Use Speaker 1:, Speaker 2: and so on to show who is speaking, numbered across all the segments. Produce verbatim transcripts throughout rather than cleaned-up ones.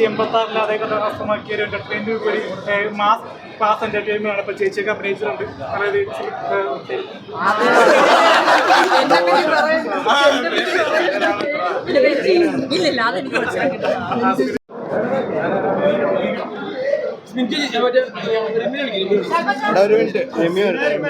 Speaker 1: തൊള്ളായിരത്തി എൺപത്തി ആറിൽ അദ്ദേഹം കരസ്ഥമാക്കിയ ഒരു എന്റർടൈൻമെന്റ് ഒരു മാസ് മാസ് എന്റർടൈൻമെന്റ് ആണ്. ഇപ്പൊ ചേച്ചിയൊക്കെ അഭിനയിച്ചിട്ടുണ്ട്. അതായത്
Speaker 2: ഇല്ലില്ല അതെനിക്ക്
Speaker 3: ഒരു മിനിറ്റ് രമ്യ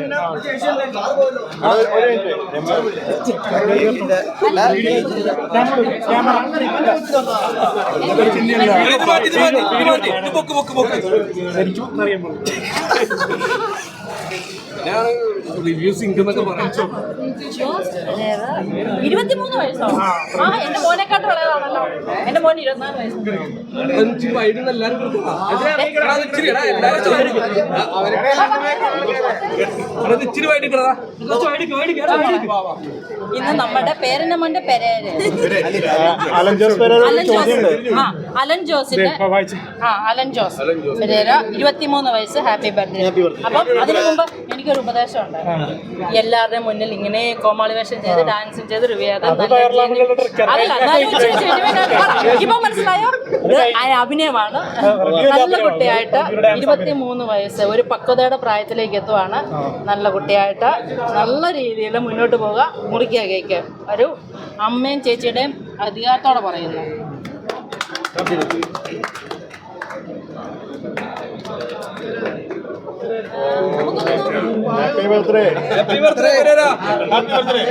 Speaker 2: ഇരുപത്തിമൂന്ന് വയസ്സോ? ആ എന്റെ മോനെക്കാട്ട് വളയതാണല്ലോ. എന്റെ മോൻ ഇരുപത്തിനാല് വയസ്സ്. ഇന്ന് നമ്മുടെ പേരന്റെ മോന്റെ പെരേര് അലൻ ജോസിന്റെ ആ അലൻ ജോസ് പെരേര ഇരുപത്തിമൂന്ന് വയസ്സ്. Happy birthday. അപ്പം അതിനു മുമ്പ് എനിക്കൊരു ഉപദേശം ഉണ്ട്. എല്ലാവരുടെയും മുന്നിൽ ഇങ്ങനെ കോമാളി വേഷം ചെയ്ത് ഡാൻസും ചെയ്ത് റിവ്യാതെ ഇപ്പൊ മനസ്സിലായോ? അഭിനയമാണ്. നല്ല കുട്ടിയായിട്ട് ഇരുപത്തിമൂന്ന് വയസ്സ് ഒരു പക്വതയുടെ പ്രായത്തിലേക്ക് എത്തുവാണ്. നല്ല കുട്ടിയായിട്ട് നല്ല രീതിയിൽ മുന്നോട്ട് പോവുക. മുറിക്കുക കേക്ക് ഒരു അമ്മയും ചേച്ചിയുടെയും അധികാരത്തോടെ പറയുന്നു.
Speaker 3: Happy birthday.
Speaker 4: Happy birthday. Happy birthday.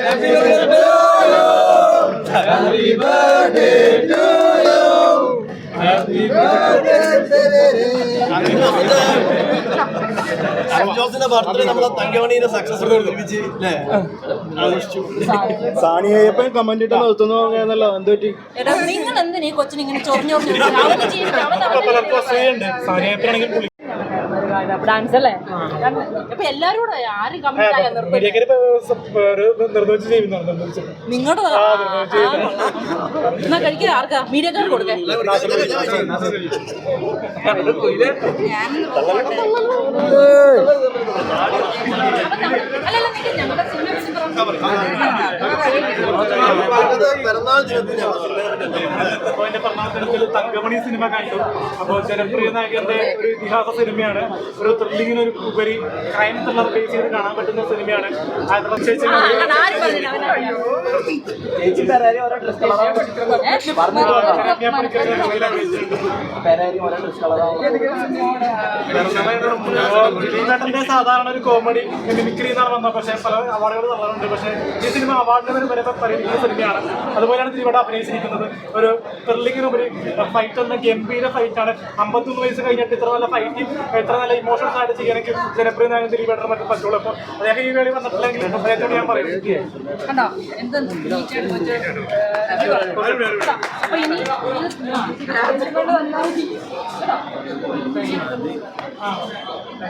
Speaker 4: Happy birthday to you. Happy birthday.
Speaker 5: ജോസിന്റെ ബർത്ത്ഡേ നമ്മളെ തങ്കമണിയുടെ സക്സസ്ഫുൾ ഒരുമിച്ച് അല്ലേ ആഘോഷിച്ചു.
Speaker 3: സാനിയപ്പൻ കമന്റ് ഇട്ട് നിർത്തുന്നു എന്നല്ലോ എന്ത് പറ്റി?
Speaker 2: നിങ്ങൾ എന്തിനാ ഈ കൊച്ചിന് ഇങ്ങനെ ചൊറിഞ്ഞു ഡാൻസ് അല്ലേ? അപ്പൊ എല്ലാരും കൂടെ ആരും കമ്മിറ്റ് നിങ്ങളുടെ എന്നാ കഴിക്കുക. ആർക്കാ മീഡിയക്കാർ കൊടുക്കേ? അല്ലല്ല ഞങ്ങളുടെ
Speaker 1: തങ്കമണി സിനിമ കണ്ടു. അപ്പോൾ ജനപ്രിയ നായകന്റെ ഒരു ഇതിഹാസ സിനിമയാണ്. ഒരു ത്രില്ലിങ്ങിന് ഒരു ഉപരി ക്രൈം ത്രില്ലർ ബേസ് ചെയ്ത് കാണാൻ പറ്റുന്ന സിനിമയാണ്. സാധാരണ ഒരു കോമഡി മിമിക്രി എന്നാണ് വന്നത്. പക്ഷേ പല അവാർഡുകൾ തന്നിട്ടുണ്ട്. പക്ഷേ ഈ സിനിമ അവാർഡിന് വരെ പരിഗണിക്കുന്ന സിനിമയാണ്. അതുപോലെയാണ് ഇവിടെ അഭിനയിച്ചിരിക്കുന്നത്. ഒരു ത്രില്ലിങ്ങിനുപരി ഫൈറ്റ് എന്ന ഗംഭീര ഫൈറ്റാണ്. അമ്പത്തൊന്ന് വയസ്സ് കഴിഞ്ഞിട്ട് ഇത്ര നല്ല ഫൈറ്റിംഗ് ഇത്ര നല്ല ഇമോഷൻസ് ആയിട്ട് ചെയ്യാനെങ്കിൽ ജനപ്രിയ നായകൻ ദിലീപേട്ടൻ മറ്റും പറ്റുള്ളൂ. അപ്പോൾ അദ്ദേഹം ഈ വേളി വന്നിട്ടില്ലെങ്കിൽ അദ്ദേഹത്തോട് ഞാൻ പറയും
Speaker 2: കണ്ടോ എന്ത് അപ്പൊ ഇനി